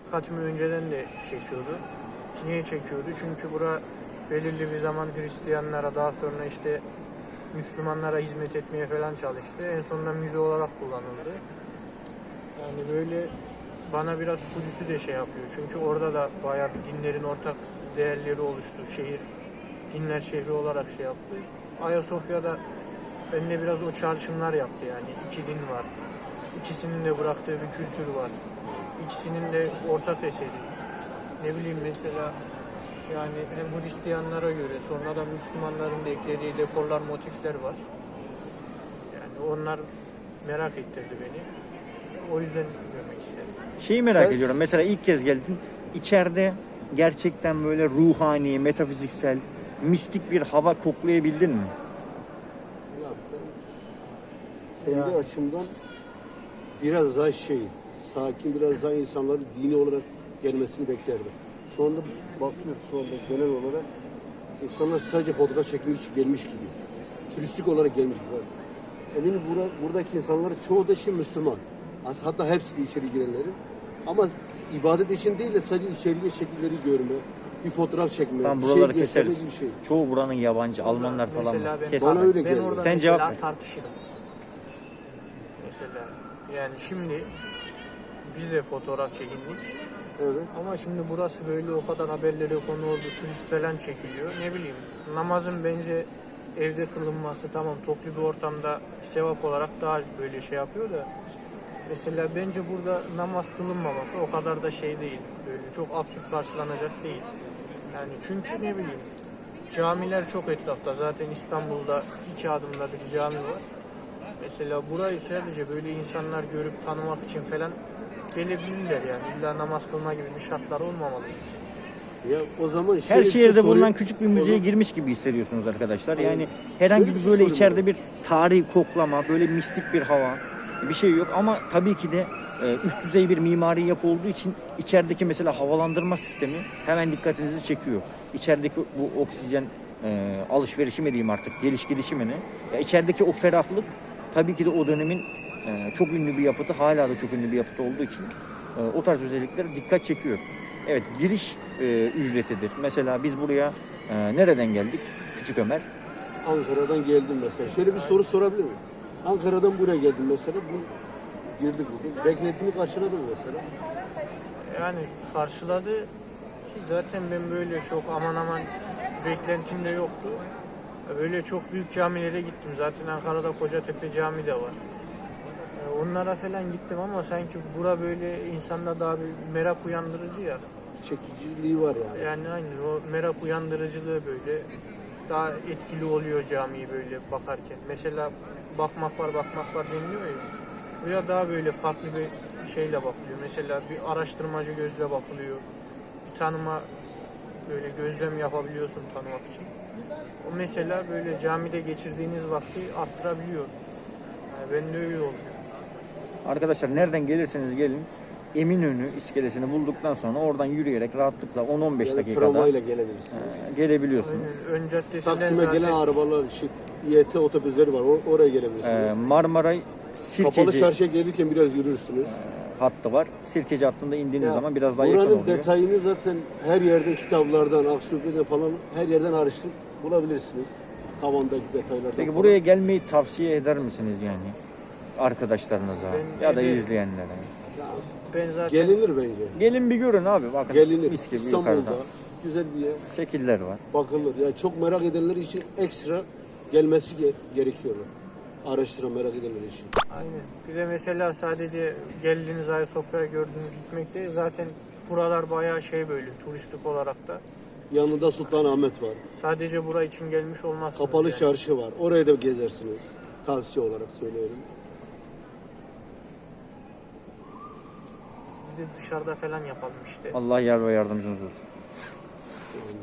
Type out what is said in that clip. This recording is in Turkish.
dikkatimi önceden de çekiyordu. Niye çekiyordu? Çünkü bura belirli bir zaman Hristiyanlara, daha sonra işte Müslümanlara hizmet etmeye falan çalıştı. En sonunda müze olarak kullanıldı. Yani böyle bana biraz Kudüs'ü de şey yapıyor. Çünkü orada da bayağı bir dinlerin ortak değerleri oluştu. Şehir, dinler şehri olarak şey yaptı. Ayasofya'da benimle biraz o çağrışımlar yaptı yani. İki din var. İkisinin de bıraktığı bir kültür var. İkisinin de ortak eseri. Ne bileyim mesela yani hem Hristiyanlara göre sonra da Müslümanların da eklediği dekorlar, motifler var. Yani onlar merak ettirdi beni. O yüzden görmek istedim. Şeyi merak ediyorum. Mesela ilk kez geldin. İçeride gerçekten böyle ruhani, metafiziksel, mistik bir hava koklayabildin mi? Kendi açımdan biraz daha sakin, biraz daha insanların dini olarak gelmesini beklerdim. Şu anda bakıyoruz şu anda genel olarak insanlar sadece fotoğraf çekmek için gelmiş gibi. Turistik olarak gelmiş gibi. Eminim buradaki insanlar çoğu da şimdi Müslüman. Hatta hepsi de içeri girenlerin. Ama ibadet için değil de sadece içeriye şekilleri görme, bir fotoğraf çekme, Tam bir buraları şey gösterme keseriz. gibi bir şey. Çoğu buranın yabancı, Almanlar falan Mesela var. ben, Kes bana abi. öyle ben geldi. orada Sen mesela cevap ver. tartışırım. Mesela yani şimdi biz de fotoğraf çekindik. Evet. Ama şimdi burası böyle o kadar haberlere konu oldu, turist falan çekiliyor. Ne bileyim namazın bence evde kılınması tamam toplu bir ortamda sevap olarak daha böyle şey yapıyor da mesela bence burada namaz kılınmaması o kadar da şey değil. Böyle çok absürt karşılanacak değil. Yani çünkü ne bileyim camiler çok etrafta. Zaten İstanbul'da 2 adımda bir cami var. Mesela burayı sadece böyle insanlar görüp tanımak için falan gelebilirler yani. İlla namaz kılma gibi bir şartlar olmamalı. Ya o zaman Her şöyle bir şey şehirde sorayım. bulunan küçük bir müzeye Onu- girmiş gibi hissediyorsunuz arkadaşlar. Aynen. Yani herhangi Şöyle bir bir şey böyle sorayım içeride ama. bir tarihi koklama, böyle mistik bir hava bir şey yok. Ama tabii ki de üst düzey bir mimari yapı olduğu için içerideki mesela havalandırma sistemi hemen dikkatinizi çekiyor. İçerideki bu oksijen alışverişi mi diyeyim artık, geliş gidişi mi ne? Ya içerideki o ferahlık tabii ki de o dönemin çok ünlü bir yapıtı, hala da çok ünlü bir yapıtı olduğu için o tarz özellikler dikkat çekiyor. Evet, giriş ücretidir. Mesela biz buraya nereden geldik? Küçük Ömer. Ankara'dan geldim mesela. Şöyle bir soru sorabilir miyim? Ankara'dan buraya geldim mesela. Girdik bugün. Beklentimi karşıladı mı mesela? Yani karşıladı ki zaten ben böyle çok aman aman beklentim de yoktu. Böyle çok büyük camilere gittim. Zaten Ankara'da Kocatepe Camii de var. Onlara falan gittim ama sanki bura böyle insanda daha bir merak uyandırıcı ya. Çekiciliği var yani. Yani aynen o merak uyandırıcılığı böyle daha etkili oluyor camiyi böyle bakarken. Mesela bakmak var deniliyor ya. Buraya daha böyle farklı bir şeyle bakılıyor. Mesela bir araştırmacı gözle bakılıyor. Bir tanıma böyle gözlem yapabiliyorsun tanımak için. O mesela böyle camide geçirdiğiniz vakti arttırabiliyor. Yani ben de öyle oluyor. Arkadaşlar nereden gelirseniz gelin, Eminönü iskelesini bulduktan sonra oradan yürüyerek rahatlıkla 10-15 Ya da dakikada tramvayla gelebilirsiniz. gelebiliyorsunuz. Aynen. Ön caddesinden Taksim'e zaten gelen arabalar, İET otobüsleri var. Oraya gelebilirsiniz. Marmaray Kapalı Sirkeci çarşıya gelirken biraz yürürsünüz. hattı var. Sirkeci hattında indiğiniz Ya, zaman biraz daha yakın buranın oluyor. detayını zaten her yerden, kitaplardan, Aksürbe'den falan her yerden araştırıp bulabilirsiniz. Tavandaki detaylardan Peki falan. buraya gelmeyi tavsiye eder misiniz yani arkadaşlarınıza Ben ya da ederim. izleyenlere? Ya, ben zaten gelinir bence. Gelin bir görün abi, bakın Gelinir. mis gibi İstanbul'da yukarıda güzel bir yer. şekiller var. Bakılır. Yani çok merak edenler için ekstra gelmesi gerekiyor. Araştıran merak edenler için. aynen. Bir de mesela sadece geldiğiniz Ayasofya'ya gördüğünüz gitmek değil. Zaten buralar bayağı şey böyle turistik olarak da. Yanında Sultanahmet var. Sadece bura için gelmiş olmazsınız. Kapalı yani. çarşı var. Oraya da gezersiniz. Tavsiye olarak söylüyorum. Bir de dışarıda falan yapalım işte. Allah yar ve yardımcınız olsun.